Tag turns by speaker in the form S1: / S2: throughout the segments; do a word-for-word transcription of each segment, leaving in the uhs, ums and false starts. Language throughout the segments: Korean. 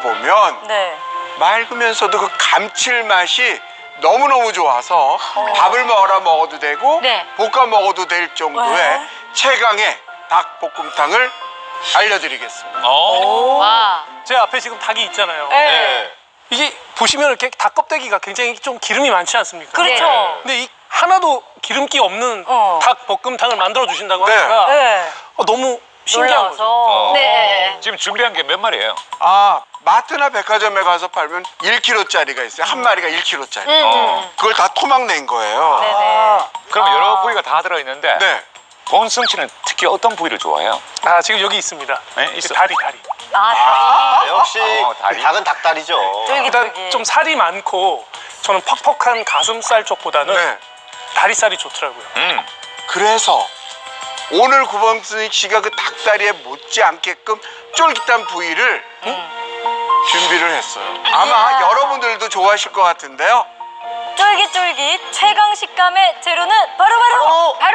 S1: 먹어보면
S2: 네.
S1: 맑으면서도 그 감칠맛이 너무너무 좋아서 어. 밥을 먹어라 먹어도 되고
S3: 네.
S1: 볶아 먹어도 될 정도의
S2: 왜?
S1: 최강의 닭볶음탕을 알려드리겠습니다.
S4: 어.
S3: 와.
S5: 제 앞에 지금 닭이 있잖아요.
S2: 네.
S5: 이게 보시면 이렇게 닭 껍데기가 굉장히 좀 기름이 많지 않습니까?
S2: 그렇죠.
S3: 네.
S5: 근데 이 하나도 기름기 없는
S2: 어.
S5: 닭 볶음탕을 만들어 주신다고
S1: 네.
S5: 하니까
S2: 네.
S5: 어, 너무 신기한 거죠.
S2: 놀라워서.
S3: 네.
S4: 지금 준비한 게 몇 마리예요?
S1: 아, 마트나 백화점에 가서 팔면 일 킬로그램짜리가 있어요. 한 마리가 일 킬로그램짜리.
S3: 음.
S4: 어.
S1: 그걸 다 토막 낸 거예요.
S2: 네네.
S4: 그럼
S2: 아.
S4: 여러 부위가 다 들어있는데
S1: 네.
S4: 본승 씨는 특히 어떤 부위를 좋아해요?
S5: 아 지금 여기 있습니다.
S4: 네,
S5: 그
S4: 있어.
S5: 다리 다리.
S2: 아, 다리.
S6: 역시
S4: 어, 다리.
S6: 닭은 닭다리죠.
S5: 일단
S2: 쫄깃쫄깃.
S5: 좀 살이 많고 저는 퍽퍽한 가슴살 쪽보다는
S1: 네.
S5: 다리살이 좋더라고요.
S4: 음.
S1: 그래서 오늘 구범승 씨가 그 닭다리에 못지않게끔 쫄깃한 부위를 준비를 했어요. 아마
S2: 이야.
S1: 여러분들도 좋아하실 것 같은데요.
S2: 쫄깃쫄깃 최강 식감의 재료는 바로바로
S3: 바로.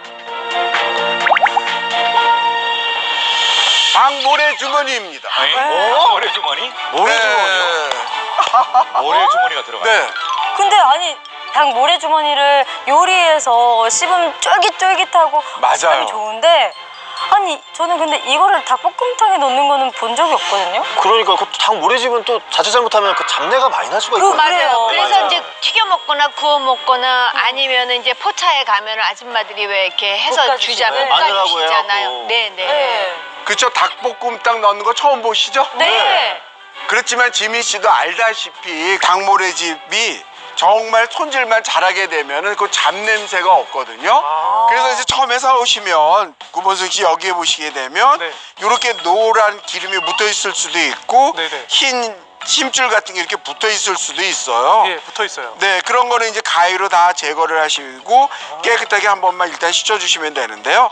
S1: 닭모래 주머니입니다.
S4: 아니,
S2: 네.
S4: 모래 주머니?
S6: 모래 주머니요?
S1: 네.
S4: 모래 주머니가 들어가요.
S1: 네.
S2: 근데 아니 닭 모래 주머니를 요리해서 씹으면 쫄깃쫄깃하고
S1: 맞아요.
S2: 식감이 좋은데 아니 저는 근데 이거를 닭볶음탕에 넣는 거는 본 적이 없거든요.
S6: 그러니까 그 닭 모래집은 또 자칫 잘못하면 그 잡내가 많이 날 수가
S2: 그
S6: 있거든요.
S2: 맞아요.
S3: 그래서
S2: 맞아요.
S3: 이제 튀겨 먹거나 구워 먹거나 아니면 이제 포차에 가면 아줌마들이 왜 이렇게 해서
S2: 볶아주시고.
S3: 주자면
S2: 네,
S6: 마늘하고
S3: 볶아주시잖아요.
S6: 해갖고.
S3: 네네.
S2: 네.
S1: 그쵸, 닭볶음탕 넣는 거 처음 보시죠?
S2: 네.
S1: 그렇지만 지민 씨도 알다시피 닭모래집이 정말 손질만 잘하게 되면은 그 잡냄새가 없거든요.
S5: 아.
S1: 그래서 이제 처음에 사오시면 구본승 씨 여기에 보시게 되면
S5: 네.
S1: 이렇게 노란 기름이 묻어 있을 수도 있고
S5: 네네.
S1: 흰 심줄 같은 게 이렇게 붙어 있을 수도 있어요.
S5: 예, 붙어 있어요.
S1: 네, 그런 거는 이제 가위로 다 제거를 하시고 깨끗하게 한 번만 일단 씻어주시면 되는데요.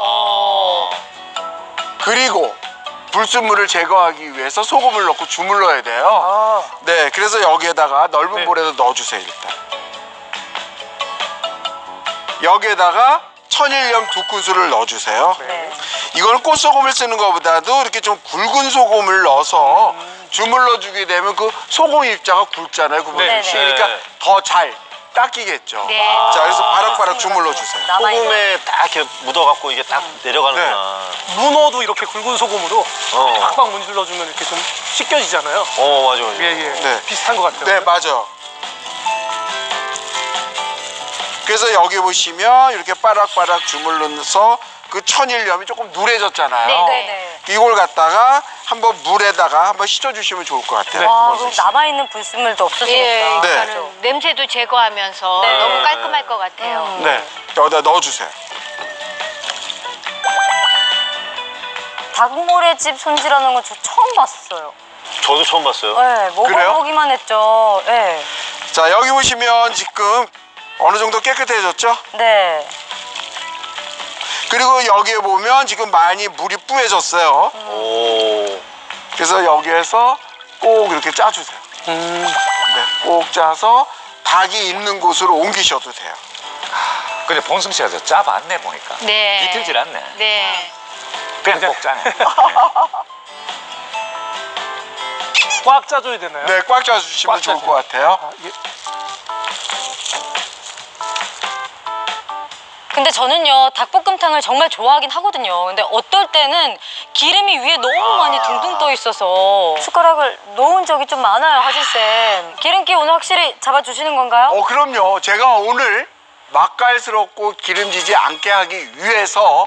S1: 그리고 불순물을 제거하기 위해서 소금을 넣고 주물러야 돼요.
S5: 아,
S1: 네, 그래서 여기에다가 넓은
S5: 네.
S1: 볼에다 넣어주세요, 일단. 여기에다가 천일염 두 큰술을 넣어주세요.
S2: 네.
S1: 이건 꽃소금을 쓰는 것보다도 이렇게 좀 굵은 소금을 넣어서 주물러주게 되면 그 소금 입자가 굵잖아요, 구본승 씨.
S2: 네, 네.
S1: 그러니까 더 잘 닦이겠죠.
S3: 네.
S1: 자, 그래서 바락바락 주물러주세요.
S2: 남아있는
S6: 소금에 딱 이렇게 묻어갖고 이게 딱 내려가는구나.
S5: 문어도 이렇게 굵은 소금으로
S6: 어.
S5: 팍팍 문질러주면 이렇게 좀 씻겨지잖아요.
S6: 어, 맞아, 맞아.
S5: 예, 예.
S1: 네.
S5: 비슷한 것 같아요.
S1: 네, 맞아. 그래서 여기 보시면 이렇게 바락바락 주물러서 그 천일염이 조금 누래졌잖아요.
S3: 네,
S2: 네네.
S1: 이걸 갖다가 한번 물에다가 한번 씻어주시면 좋을 것 같아요.
S2: 와,
S1: 구본승
S2: 그럼
S1: 씨.
S2: 남아있는 불순물도 없어지겠다.
S3: 예,
S1: 네.
S3: 그러니까는 냄새도 제거하면서
S2: 네.
S3: 너무 깔끔할 것 같아요.
S2: 음.
S1: 네, 여기다 넣어주세요.
S2: 닭모래집 손질하는 거 저 처음 봤어요.
S6: 저도 처음 봤어요.
S2: 네,
S1: 그래요?
S2: 먹어보기만 했죠. 네.
S1: 자, 여기 보시면 지금 어느 정도 깨끗해졌죠?
S2: 네.
S1: 그리고 여기에 보면 지금 많이 물이 뿌얘졌어요.
S6: 오.
S1: 그래서 여기에서 꼭 이렇게 짜주세요.
S5: 음,
S1: 네, 꼭 짜서 닭이 있는 곳으로 옮기셔도 돼요.
S4: 근데 본승 씨가 저 짜봤네 보니까.
S3: 네.
S4: 비틀질 않네.
S3: 네.
S4: 그냥 꼭 짜네.
S5: 꽉 짜줘야 되나요?
S1: 네, 꽉 짜주시면
S5: 꽉
S1: 좋을
S5: 짜줘요.
S1: 것 같아요.
S5: 아, 예.
S2: 근데 저는요 닭볶음탕을 정말 좋아하긴 하거든요. 근데 어떨 때는 기름이 위에 너무 많이 둥둥 떠 있어서 숟가락을 놓은 적이 좀 많아요, 하진쌤. 기름기 오늘 확실히 잡아주시는 건가요?
S1: 어, 그럼요. 제가 오늘 맛깔스럽고 기름지지 않게 하기 위해서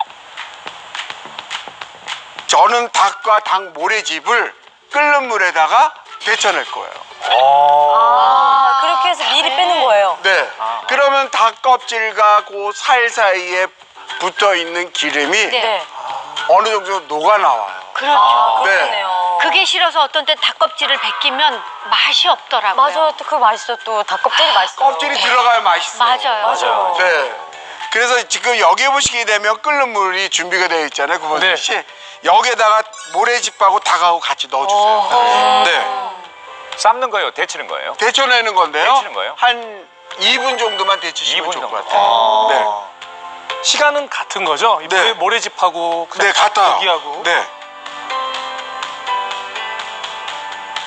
S1: 저는 닭과 닭 모래집을 끓는 물에다가 데쳐낼 거예요.
S2: 아, 그렇게 해서 미리 빼는 거예요.
S1: 네. 그러면 닭 껍질과 그 살 사이에 붙어 있는 기름이
S2: 네.
S1: 어느 정도 녹아 나와요.
S3: 그렇죠.
S2: 아,
S1: 네.
S2: 그렇네요.
S3: 그게 싫어서 어떤 때 닭껍질을 벗기면 맛이 없더라고요.
S2: 맞아요. 또 그 맛있어. 또 닭껍질이 맛있어요.
S1: 껍질이 들어가야 맛있어요.
S3: 맞아요.
S2: 맞아요.
S1: 네. 그래서 지금 여기에 보시게 되면 끓는 물이 준비가 되어 있잖아요, 구본승
S5: 네.
S1: 씨. 여기에다가 모래집하고 닭하고 같이 넣어주세요. 네.
S4: 삶는 거예요? 데치는 거예요?
S1: 데쳐내는 건데요.
S4: 데치는 거예요?
S1: 한 이 분 정도만 데치시면
S4: 이 분
S1: 좋을 것
S4: 정도.
S1: 같아요. 네.
S5: 시간은 같은 거죠? 이
S1: 네.
S5: 모래집하고
S1: 네, 같아요.
S5: 고기하고.
S1: 네.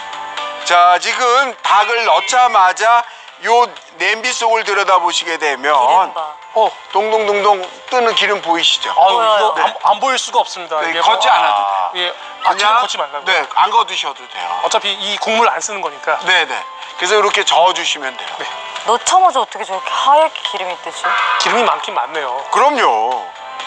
S1: 자, 지금 닭을 넣자마자 요 냄비 속을 들여다보시게 되면
S2: 기름 봐.
S5: 어,
S1: 동동동동 뜨는 기름 보이시죠?
S5: 아유
S2: 보여요.
S5: 이거
S1: 네.
S5: 안, 안 보일 수가 없습니다.
S1: 네,
S5: 이게
S1: 걷지
S5: 뭐-
S1: 않아도 돼요.
S5: 예, 아, 지금 걷지 말라고.
S1: 네, 안 걷으셔도 돼요.
S5: 어차피 이 국물 안 쓰는 거니까.
S1: 네네. 그래서 이렇게 저어주시면 돼요.
S2: 넣자마자 어떻게 저렇게 하얗게 기름이 뜨지?
S5: 기름이 많긴 많네요.
S1: 그럼요.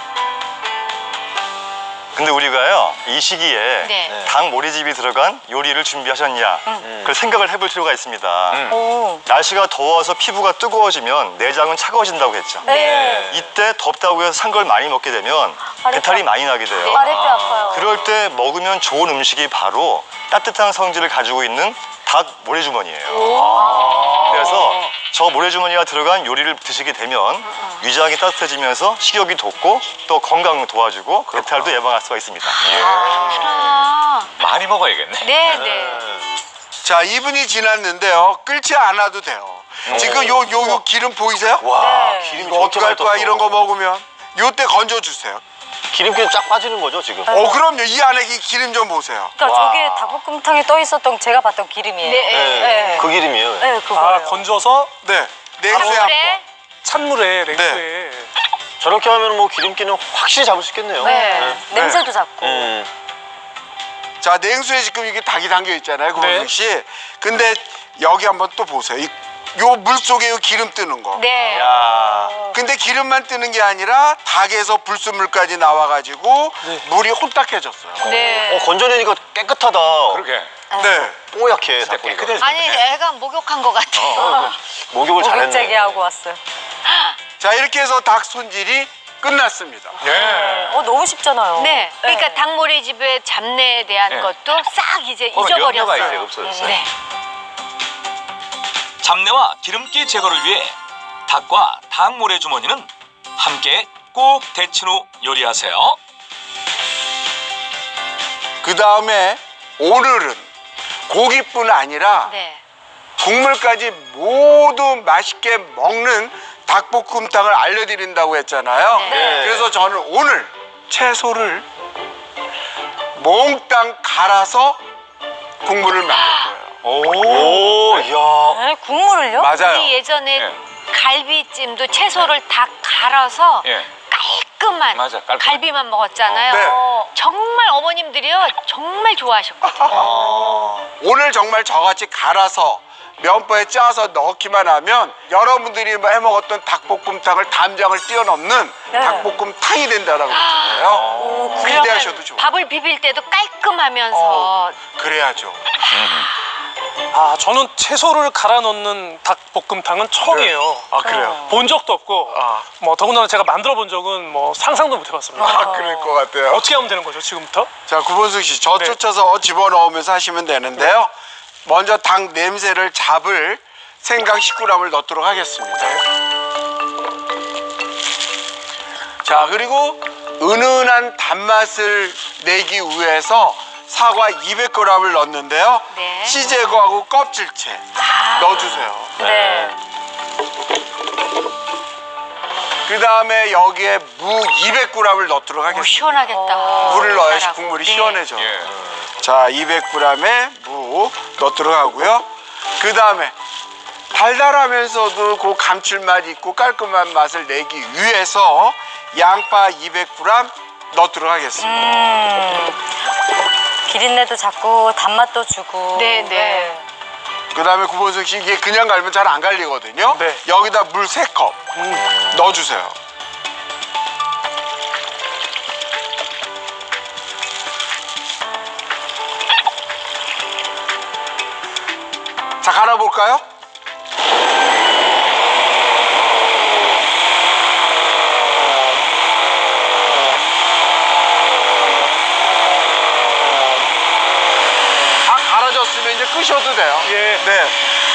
S6: 근데 우리가요 이 시기에
S3: 네.
S6: 닭 모래집이 들어간 요리를 준비하셨냐 그걸 생각을 해볼 필요가 있습니다.
S2: 오.
S6: 날씨가 더워서 피부가 뜨거워지면 내장은 차가워진다고 했죠.
S2: 네.
S6: 이때 덥다고 해서 산 걸 많이 먹게 되면 배탈이 많이 나게 돼요.
S2: 아랫배 아파요.
S6: 그럴 때 먹으면 좋은 음식이 바로 따뜻한 성질을 가지고 있는 닭 모래주머니예요. 그래서 저 모래주머니가 들어간 요리를 드시게 되면 위장이 따뜻해지면서 식욕이 돋고 또 건강을 도와주고 배탈도 예방할 수가 있습니다.
S3: 아,
S4: 많이 먹어야겠네.
S3: 네, 네.
S1: 자, 이 분이 지났는데요. 끓지 않아도 돼요. 지금 요, 요, 요 기름 보이세요?
S6: 와,
S2: 네.
S6: 기름이
S1: 이거 어떡할 거야,
S6: 떴어.
S1: 이런 거 먹으면. 요때 건져주세요.
S6: 기름기 쫙 빠지는 거죠 지금?
S1: 어, 그럼요. 이 안에 이 기름 좀 보세요.
S2: 그러니까
S6: 와.
S2: 저게 닭볶음탕에 떠 있었던 제가 봤던 기름이에요.
S3: 네.
S2: 네.
S6: 그 기름이에요.
S2: 네, 그거예요.
S5: 아 건져서
S1: 네. 냉수에 한 번.
S3: 그래?
S5: 찬물에 냉수에.
S6: 저렇게 하면 뭐 기름기는 확실히 잡을 수 있겠네요.
S2: 네. 냄새도 잡고.
S6: 음.
S1: 자, 냉수에 지금 이게 닭이 담겨 있잖아요, 고은숙
S5: 네.
S1: 씨. 근데 여기 한번 또 보세요. 이, 요 물 속에 요 기름 뜨는 거.
S3: 네.
S6: 야.
S1: 근데 기름만 뜨는 게 아니라 닭에서 불순물까지 나와가지고 물이 혼탁해졌어요.
S3: 네.
S6: 어, 건져내니까 깨끗하다.
S4: 그렇게.
S1: 네.
S6: 뽀얗게 닭고기가.
S4: 깨끗해졌네.
S3: 아니, 애가 목욕한 것 같아요.
S6: 목욕을 잘했네.
S2: 목욕제기 하고 왔어요.
S1: 자, 이렇게 해서 닭 손질이 끝났습니다.
S4: 네.
S2: 어, 너무 쉽잖아요.
S3: 네. 그러니까 닭모래집의 잡내에 대한
S4: 네.
S3: 것도 싹 이제
S4: 그건 염려가
S3: 잊어버렸어요.
S4: 이제 없어졌어요.
S3: 네.
S7: 잡내와 기름기 제거를 위해 닭과 닭 모래주머니는 함께 꼭 데친 후 요리하세요.
S1: 그 다음에 오늘은 고기뿐 아니라
S3: 네.
S1: 국물까지 모두 맛있게 먹는 닭볶음탕을 알려드린다고 했잖아요.
S3: 네.
S1: 그래서 저는 오늘 채소를 몽땅 갈아서 국물을 만들 거예요.
S6: 오, 이야.
S2: 네, 국물을요?
S1: 맞아요.
S3: 우리 예전에
S4: 예.
S3: 갈비찜도 채소를 다 갈아서
S4: 예.
S3: 깔끔한
S4: 맞아, 깔끔한.
S3: 갈비만 먹었잖아요.
S1: 네.
S3: 정말 어머님들이요 정말 좋아하셨거든요.
S1: 오늘 정말 저같이 갈아서 면보에 짜서 넣기만 하면 여러분들이 해먹었던 닭볶음탕을 담장을 뛰어넘는
S2: 네.
S1: 닭볶음탕이 된다라고 그러잖아요.
S2: 오,
S1: 기대하셔도 좋아요.
S3: 밥을 비빌 때도 깔끔하면서
S1: 어, 그래야죠.
S5: 아 저는 채소를 갈아 넣는 닭볶음탕은 처음이에요.
S1: 아, 그래요?
S5: 본 적도 없고
S1: 아.
S5: 뭐 더군다나 제가 만들어 본 적은 뭐 상상도 못 해봤습니다.
S1: 아, 그럴 것 같아요.
S5: 어떻게 하면 되는 거죠 지금부터?
S1: 자, 구본숙 씨, 저
S5: 네.
S1: 쫓아서 집어넣으면서 하시면 되는데요. 먼저 닭 냄새를 잡을 생강 십 그램을 넣도록 하겠습니다. 자, 그리고 은은한 단맛을 내기 위해서 사과 이백 그램을 넣는데요.
S3: 네.
S1: 씨 제거하고 껍질째 넣어주세요.
S2: 네.
S1: 그 다음에 여기에 무 이백 그램을 넣도록
S3: 오,
S1: 하겠습니다.
S3: 시원하겠다.
S1: 물을 넣어야지
S3: 잘하고.
S1: 국물이
S3: 네.
S1: 시원해져.
S4: 예.
S1: 자, 이백 그램의 무 넣도록 하고요. 그 다음에 달달하면서도 그 감칠맛 있고 깔끔한 맛을 내기 위해서 양파 이백 그램 넣도록 하겠습니다.
S2: 음, 기린내도 잡고 단맛도 주고.
S3: 네, 네.
S1: 그 다음에 구본숙 씨, 이게 그냥 갈면 잘 안 갈리거든요.
S5: 네.
S1: 여기다 물 세 컵 넣어주세요. 자, 갈아볼까요? 다 갈아졌으면 이제 끄셔도 돼요.
S5: 예.
S1: 네.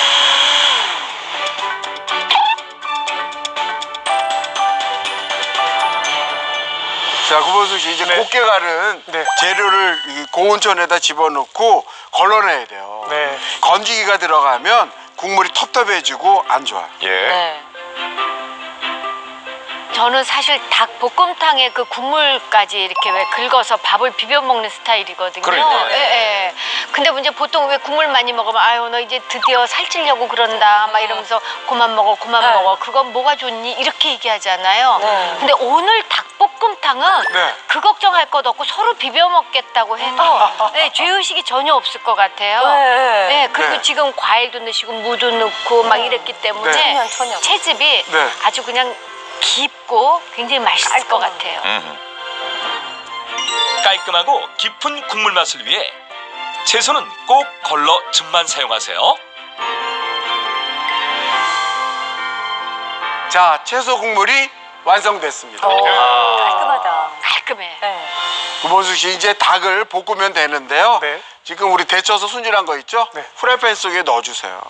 S1: 자, 구본숙 씨, 이제
S5: 네.
S1: 곱게 갈은
S5: 네.
S1: 재료를 이 고온천에다 집어넣고 걸러내야 돼요.
S5: 네.
S1: 건지기가 들어가면 국물이 텁텁해지고 안 좋아요.
S4: 예.
S2: 네.
S3: 저는 사실 닭볶음탕에 그 국물까지 이렇게 왜 긁어서 밥을 비벼 먹는 스타일이거든요.
S4: 그러니까요.
S3: 예, 예. 근데 이제 보통 왜 국물 많이 먹으면 아유 너 이제 드디어 살찌려고 그런다 막 이러면서 그만 먹어 그만
S2: 네.
S3: 먹어 그건 뭐가 좋니 이렇게 얘기하잖아요.
S2: 네.
S3: 근데 오늘 닭볶음탕은
S1: 네.
S3: 그 걱정할 것 없고 서로 비벼 먹겠다고 해도 네, 죄의식이 전혀 없을 것 같아요.
S2: 네.
S3: 네, 그리고
S1: 네.
S3: 지금 과일도 넣으시고 무도 넣고 막 이랬기 때문에
S1: 네.
S2: 천연, 천연.
S3: 채즙이
S1: 네.
S3: 아주 그냥 깊고 굉장히 맛있을 것 같아요.
S4: 음.
S7: 깔끔하고 깊은 국물 맛을 위해 채소는 꼭 걸러 즙만 사용하세요.
S1: 자, 채소 국물이 완성됐습니다.
S2: 깔끔하다.
S3: 깔끔해.
S2: 네.
S1: 구본숙 씨 이제 닭을 볶으면 되는데요.
S5: 네.
S1: 지금 우리 데쳐서 손질한 거 있죠?
S5: 네.
S1: 프라이팬 속에 넣어주세요.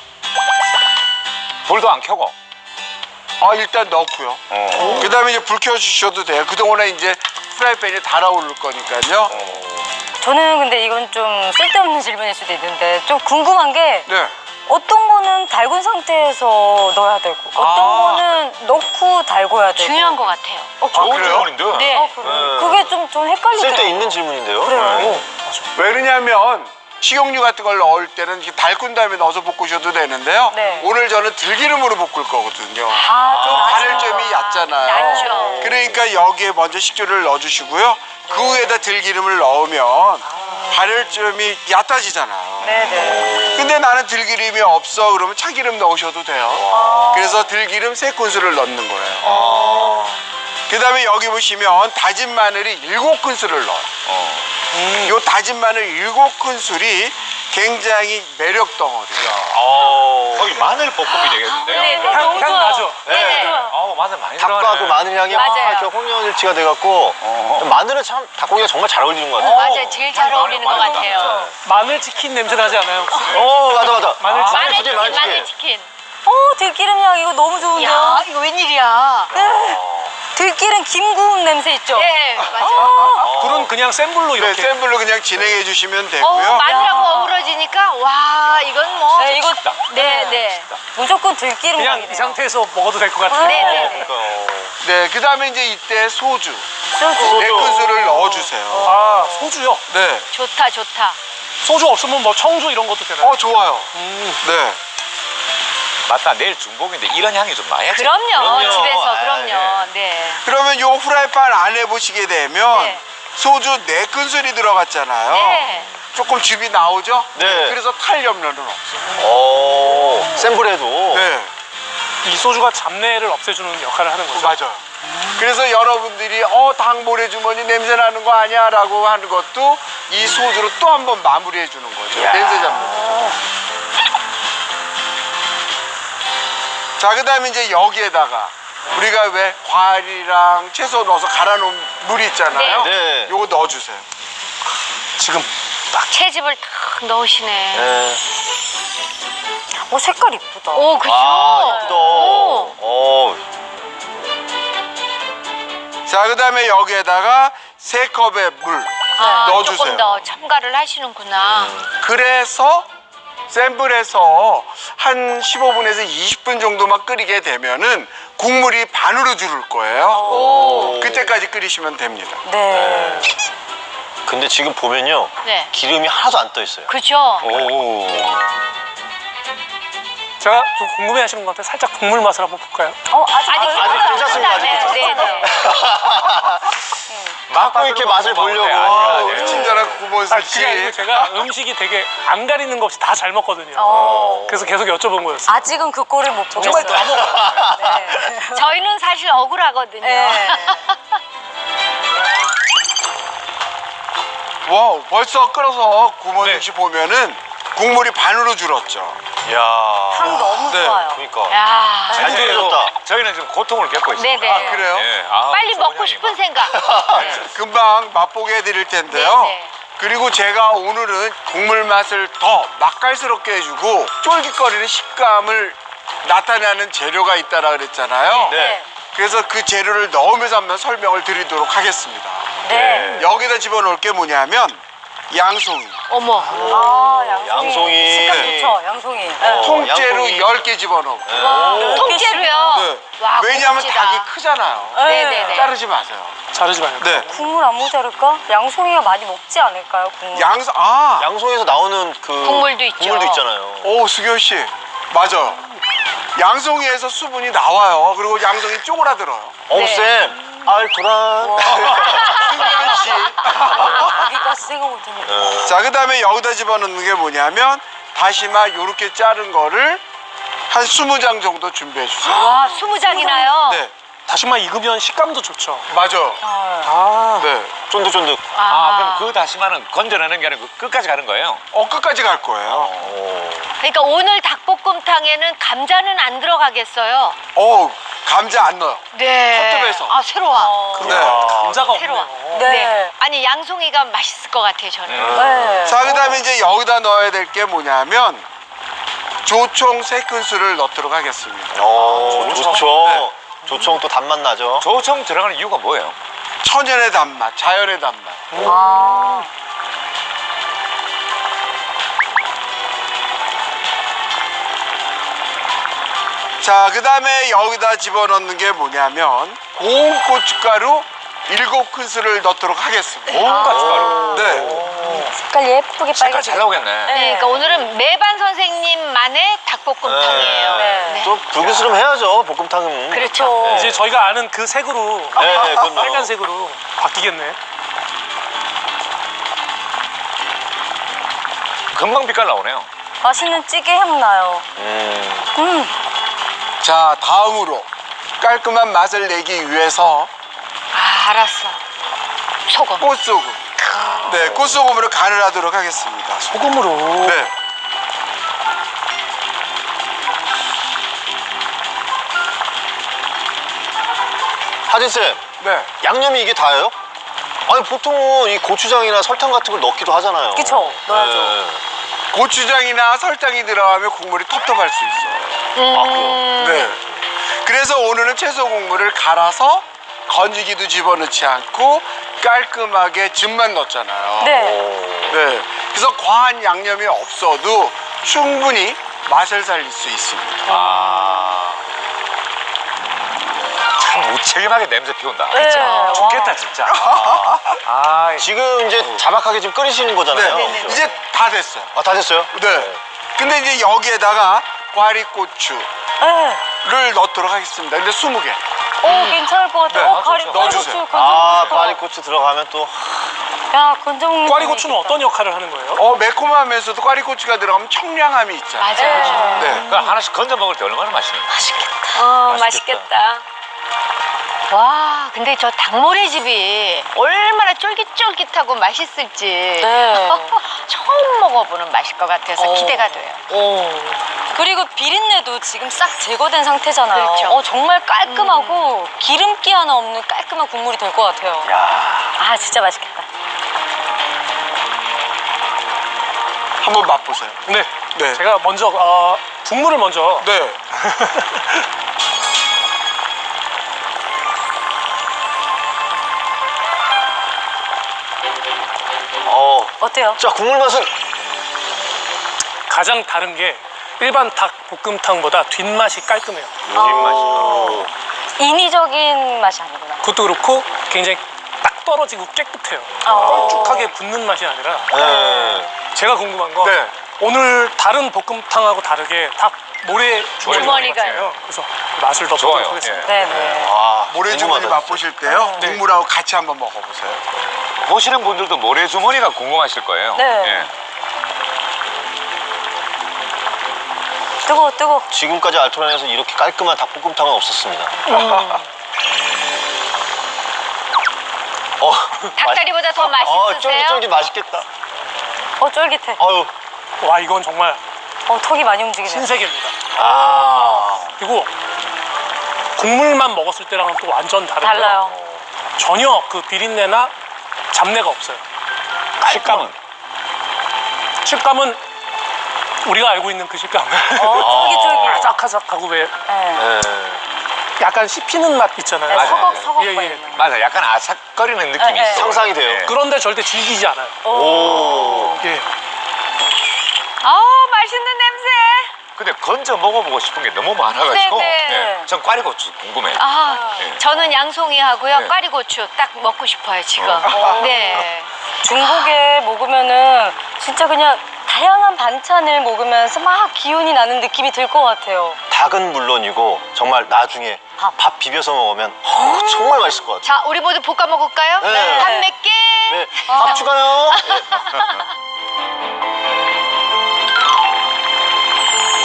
S4: 불도 안 켜고.
S1: 아 일단 넣고요.
S4: 어.
S1: 그다음에 이제 불 켜주셔도 돼요. 그동안에 이제 프라이팬이 달아오를 거니까요.
S2: 저는 근데 이건 좀 쓸데없는 질문일 수도 있는데 좀 궁금한 게
S1: 네.
S2: 어떤 거는 달군 상태에서 넣어야 되고 어떤
S1: 아.
S2: 거는 넣고 달궈야 되고
S3: 중요한 것 같아요.
S4: 좋은
S1: 그래요?
S4: 질문인데.
S3: 네.
S2: 어, 그래. 그게 좀, 좀 헷갈리더라고요.
S6: 쓸데있는 질문인데요.
S2: 그래요.
S1: 왜 그러냐면 식용유 같은 걸 넣을 때는 이렇게 달군 다음에 넣어서 볶으셔도 되는데요.
S2: 네.
S1: 오늘 저는 들기름으로 볶을 거거든요.
S2: 아, 좀
S1: 바늘
S2: 낮죠.
S1: 점이 얕잖아요.
S3: 낮죠.
S1: 그러니까 여기에 먼저 식초를 넣어주시고요. 그 위에다 들기름을 넣으면 발열점이 얕아지잖아요.
S2: 네네.
S1: 근데 나는 들기름이 없어 그러면 참기름 넣으셔도 돼요. 그래서 들기름 세 큰술을 넣는 거예요. 그 다음에 여기 보시면 다진 마늘이 일곱 큰술을 넣어요. 이 다진 마늘 일곱 큰술이 굉장히 매력 덩어리야.
S4: 어. 거의 마늘 볶음이 되겠는데요.
S3: 네, 네.
S5: 향,
S3: 너무
S5: 향
S3: 좋아.
S5: 나죠?
S3: 네.
S4: 어, 마늘 많이
S6: 닭하고
S4: 들어가네.
S6: 마늘 향이
S3: 맞아요.
S6: 막 이렇게 혼연일치가 돼갖고 마늘은 참 닭고기가 정말 잘 어울리는 것 같아요.
S3: 맞아요. 제일 잘 어울리는 것 같아요.
S5: 마늘 치킨 냄새 나지 않아요? 혹시?
S6: 어 맞아 맞아.
S5: 마늘 치킨.
S3: 마늘
S6: 치킨,
S3: 치킨,
S6: 마늘
S3: 마늘
S6: 치킨.
S3: 치킨.
S2: 어, 들기름 향 이거 너무 좋은데요?
S3: 야, 이거 웬일이야?
S2: 들기름 김 구운 냄새 있죠?
S3: 네, 맞아요.
S2: 어,
S5: 불은 그냥 센 불로
S1: 네,
S5: 이렇게.
S1: 센 불로 그냥 진행해 주시면
S3: 어,
S1: 되고요.
S3: 마늘하고 어우러지니까 와, 이건 뭐.
S2: 네, 이거
S3: 네, 네.
S2: 무조건 들기름
S5: 그냥
S2: 향이네요.
S5: 이 상태에서 먹어도 될 것 같아요.
S3: 네, 네, 네.
S1: 네, 그 다음에 이제 이때 소주
S2: 소주.
S1: 네 큰술을 넣어주세요.
S5: 아, 소주요?
S1: 네,
S3: 좋다, 좋다.
S5: 소주 없으면 뭐 청주 이런 것도 되나요?
S1: 어 좋아요.
S5: 음.
S1: 네.
S4: 맞다. 내일 중복인데 이런 향이 좀 나야지.
S3: 그럼요,
S6: 그럼요.
S3: 집에서,
S6: 아,
S3: 그럼요. 네.
S1: 그러면 요 프라이팬 안에 보시게 되면
S3: 네.
S1: 소주 네 큰술이 들어갔잖아요.
S3: 네.
S1: 조금 즙이 나오죠?
S6: 네.
S1: 그래서 탈 염려는 없어요.
S6: 오, 센 불에도.
S1: 네,
S5: 이 소주가 잡내를 없애주는 역할을 하는 거죠.
S1: 맞아요. 그래서 여러분들이 어, 닭 모래주머니 냄새 나는 거 아니야? 라고 하는 것도 이 소주로 또 한 번 마무리해 주는 거죠. 냄새 잡는 거죠. 자, 그 다음에 이제 여기에다가 우리가 왜 과일이랑 채소 넣어서 갈아 놓은 물 있잖아요.
S6: 네. 네.
S1: 요거 넣어주세요.
S5: 지금
S3: 채즙을 탁 넣으시네.
S6: 네.
S2: 오, 색깔 이쁘다.
S3: 오, 그죠?
S6: 아 이쁘다.
S3: 오.
S6: 오.
S1: 자, 그 다음에 여기에다가 세 컵의 물
S3: 아,
S1: 넣어주세요.
S3: 조금 더 첨가를 하시는구나.
S1: 그래서 센 불에서 한 십오 분에서 이십 분 정도만 끓이게 되면은 국물이 반으로 줄을 거예요.
S3: 오.
S1: 그때까지 끓이시면 됩니다.
S2: 네.
S6: 근데 지금 보면요.
S3: 네.
S6: 기름이 하나도 안 떠 있어요.
S3: 그죠?
S6: 오.
S5: 제가 좀 궁금해하시는 것 같아요. 살짝 국물 맛을 한번 볼까요?
S2: 어, 아직,
S3: 아직
S6: 아직 괜찮습니다. 아직
S3: 네,
S6: 괜찮습니다.
S3: 네, 네.
S6: 막고 이렇게 맛을 보려고.
S1: 아,
S4: 네.
S1: 우리 친절한 구본수
S5: 아,
S1: 씨.
S5: 그게 아니고 제가 음식이 되게 안 가리는 거 없이 다 잘 먹거든요.
S2: 어.
S5: 그래서 계속 여쭤본 거였어요.
S2: 아직은 그 꼴을 못 보겠어요.
S5: 정말 다 먹어요.
S2: 네.
S3: 저희는 사실 억울하거든요.
S2: 네.
S1: 와, 벌써 끓어서 구본수
S5: 네.
S1: 씨 보면은 국물이 반으로 줄었죠.
S6: 이야.
S2: 향 너무
S1: 네.
S2: 좋아요.
S6: 그러니까.
S3: 야.
S6: 잘
S4: 사실
S6: 끓여졌다.
S4: 저희는 지금 고통을 겪고 있어요.
S3: 네네.
S1: 아, 그래요?
S4: 예, 아,
S3: 빨리
S4: 좋은
S3: 먹고
S4: 향이
S3: 싶은
S4: 막.
S3: 생각. 네.
S1: 금방 맛보게 해드릴 텐데요.
S3: 네네.
S1: 그리고 제가 오늘은 국물 맛을 더 맛깔스럽게 해주고 쫄깃거리는 식감을 나타내는 재료가 있다라 그랬잖아요.
S6: 네.
S1: 그래서 그 재료를 넣으면서 한번 설명을 드리도록 하겠습니다.
S2: 네.
S1: 여기다 집어넣을 게 뭐냐면 양송이,
S3: 어머.
S2: 아, 양송이.
S6: 양송이.
S2: 식감 좋죠, 양송이. 네.
S1: 통째로
S6: 양송이.
S1: 열 개 집어넣고.
S3: 통째로요.
S1: 네.
S3: 와,
S1: 왜냐하면
S3: 고급지다.
S1: 닭이 크잖아요.
S3: 네네네.
S1: 자르지 마세요.
S5: 자르지 말고.
S1: 네.
S2: 국물 안 모자랄까? 양송이가 많이 먹지 않을까요, 국물?
S1: 양서 아,
S6: 양송에서 나오는 그
S3: 국물도 있죠.
S6: 국물도 있잖아요.
S1: 오 수경 씨 맞아요. 양송이에서 수분이 나와요. 그리고 양송이 쪼그라들어요.
S6: 어쌤 알토란.
S1: 수경 씨.
S2: 여기까지 생각 못했네.
S1: 자, 그다음에 여기다 집어넣는 게 뭐냐면 다시마 요렇게 자른 거를 한 스무 장 정도 준비해 주세요.
S3: 와, 스무 장이나요?
S1: 네,
S5: 다시마 익으면 식감도 좋죠.
S1: 맞아요.
S5: 아,
S1: 네,
S6: 쫀득쫀득.
S4: 아, 그럼 그 다시마는 건져내는 게 아니고 끝까지 가는 거예요?
S1: 어 끝까지 갈 거예요.
S3: 그러니까 오늘 닭볶음탕에는 감자는 안 들어가겠어요?
S1: 어, 감자 안 넣어요.
S3: 네.
S1: 섭섭해서.
S3: 아, 새로워.
S1: 네.
S5: 감자가
S3: 새로워.
S5: 없네요.
S2: 네.
S3: 아니, 양송이가 맛있을 것 같아요, 저는.
S2: 네.
S1: 자, 그다음에 이제 여기다 넣어야 될 게 뭐냐면 조총 세 큰술을 넣도록 하겠습니다.
S6: 어, 좋죠.
S1: 네.
S6: 조청 또 단맛 나죠.
S4: 조청 들어가는 이유가 뭐예요?
S1: 천연의 단맛, 자연의 단맛.
S2: 아.
S1: 자, 그다음에 여기다 집어넣는 게 뭐냐면 고운 고춧가루 일곱 큰술을 넣도록 하겠습니다.
S4: 고운 고춧가루.
S1: 네.
S2: 색깔 예쁘게
S4: 색깔
S2: 빨개져.
S4: 잘 나오겠네.
S3: 네, 그러니까 오늘은 매반 선생님만의 닭볶음탕이에요.
S2: 네.
S6: 좀 불그스름 해야죠, 볶음탕은.
S3: 그렇죠.
S5: 이제 저희가 아는 그 색으로
S6: 네, 네, 그럼요.
S5: 빨간색으로 바뀌겠네.
S4: 금방 빛깔 나오네요.
S2: 맛있는 찌개 향 나요.
S6: 음.
S2: 음.
S1: 자, 다음으로 깔끔한 맛을 내기 위해서
S3: 아, 알았어. 소금.
S1: 꽃소금. 네, 꽃소금으로 간을 하도록 하겠습니다.
S5: 소금으로.
S1: 네.
S6: 하진쌤,
S1: 네.
S6: 양념이 이게 다예요? 아니, 보통은 이 고추장이나 설탕 같은 걸 넣기도 하잖아요.
S2: 그쵸, 넣어야죠.
S6: 네.
S1: 고추장이나 설탕이 들어가면 국물이 텁텁할 수 있어요.
S3: 음.
S1: 네. 그래서 오늘은 채소 국물을 갈아서 건지기도 집어넣지 않고 깔끔하게 즙만 넣었잖아요.
S2: 네.
S1: 네. 그래서 과한 양념이 없어도 충분히 맛을 살릴 수 있습니다.
S4: 아. 참 무책임하게 냄새 피운다.
S2: 네. 와.
S4: 죽겠다, 진짜. 아, 아,
S6: 지금 이제 자박하게 지금 끓이시는 거잖아요.
S1: 네. 이제 다 됐어요.
S6: 아, 다 됐어요?
S1: 네. 근데 이제 여기에다가 꽈리고추를
S2: 네.
S1: 넣도록 하겠습니다. 근데 스무 개.
S2: 오, 괜찮을 것 같아요.
S1: 네.
S2: 어, 가리,
S1: 넣어주세요.
S2: 꽈리고추
S6: 아,
S2: 건져.
S6: 꽈리고추 들어가면 또.
S2: 야, 건져 먹는
S5: 꽈리고추는 어떤 역할을 하는 거예요?
S1: 어, 매콤하면서도 꽈리고추가 들어가면 청량함이 있잖아요.
S3: 맞아요.
S1: 네.
S4: 그 하나씩 건져 먹을 때 얼마나 맛있는 거야.
S3: 어,
S6: 맛있겠다.
S3: 맛있겠다. 와, 근데 저 닭모래집이 얼마나 쫄깃쫄깃하고 맛있을지
S2: 네.
S3: 처음 먹어보는 맛일 것 같아서
S2: 어.
S3: 기대가 돼요.
S2: 오. 그리고 비린내도 지금 싹 제거된 상태잖아요.
S3: 그렇죠.
S2: 어, 정말 깔끔하고 기름기 하나 없는 깔끔한 국물이 될 것 같아요. 아, 진짜 맛있겠다.
S1: 한번 맛보세요.
S5: 네.
S1: 네.
S5: 제가 먼저 어, 국물을 먼저.
S1: 네.
S6: 어.
S2: 어때요?
S6: 자, 국물 맛은.
S5: 가장 다른 게 일반 닭볶음탕보다 뒷맛이 깔끔해요.
S2: 어, 인위적인 맛이 아니구나.
S5: 그것도 그렇고 굉장히 딱 떨어지고 깨끗해요.
S2: 어.
S5: 걸쭉하게 붙는 맛이 아니라.
S6: 네.
S5: 제가 궁금한 거
S1: 네.
S5: 오늘 다른 볶음탕하고 다르게 닭 모래 주머니가
S3: 주머니가
S5: 있어요. 그래서 맛을 더
S4: 좋아요.
S5: 보도록 하겠습니다.
S2: 네, 네.
S6: 아,
S1: 모래주머니
S6: 궁금하다.
S1: 맛보실 때요.
S5: 네.
S1: 국물하고 같이 한번 먹어보세요.
S4: 보시는 분들도 모래주머니가 궁금하실 거예요.
S2: 네.
S4: 예.
S2: 뜨거워, 뜨거워.
S6: 지금까지 알토란에서 이렇게 깔끔한 닭볶음탕은 없었습니다. 어,
S3: 닭다리보다 더
S6: 어,
S3: 맛있으세요?
S6: 쫄깃쫄깃 맛있겠다.
S2: 어, 쫄깃해.
S6: 아유.
S5: 와, 이건 정말
S2: 어, 턱이 많이 움직이네.
S5: 신세계입니다.
S6: 아.
S5: 그리고 국물만 먹었을 때랑은 또 완전 다르고요.
S2: 달라요.
S5: 전혀 그 비린내나 잡내가 없어요.
S4: 식감은?
S5: 식감은 우리가 알고 있는 그 식감.
S2: 어, 쫄깃쫄깃.
S5: 아삭아삭하고 왜
S2: 네.
S6: 네.
S5: 약간 씹히는 맛 있잖아요.
S2: 네, 서걱, 서걱
S5: 예, 예.
S2: 거리는.
S4: 맞아, 약간 아삭거리는 느낌이
S2: 네, 네.
S4: 있어.
S6: 상상이 돼요.
S4: 예.
S5: 그런데 절대 질기지 않아요.
S6: 오.
S5: 예.
S3: 아우, 맛있는 냄새.
S4: 근데 건져 먹어보고 싶은 게 너무 많아가지고
S3: 네, 네.
S4: 예, 전 꽈리고추 궁금해요.
S3: 아,
S4: 네.
S3: 저는 양송이 하고요.
S4: 네.
S3: 꽈리고추 딱 먹고 싶어요, 지금.
S2: 어.
S3: 네.
S2: 중국에 먹으면은 진짜 그냥 다양한 반찬을 먹으면서 막 기운이 나는 느낌이 들 것 같아요.
S8: 닭은 물론이고 정말 나중에
S2: 밥.
S8: 밥 비벼서 먹으면 어, 정말 맛있을 것 같아요.
S3: 자, 우리 모두 볶아 먹을까요?
S8: 네.
S3: 밥 몇 개?
S8: 네, 밥 추가요.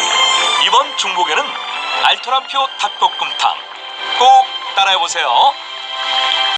S7: 이번 중복에는 알토란표 닭볶음탕 꼭 따라해보세요.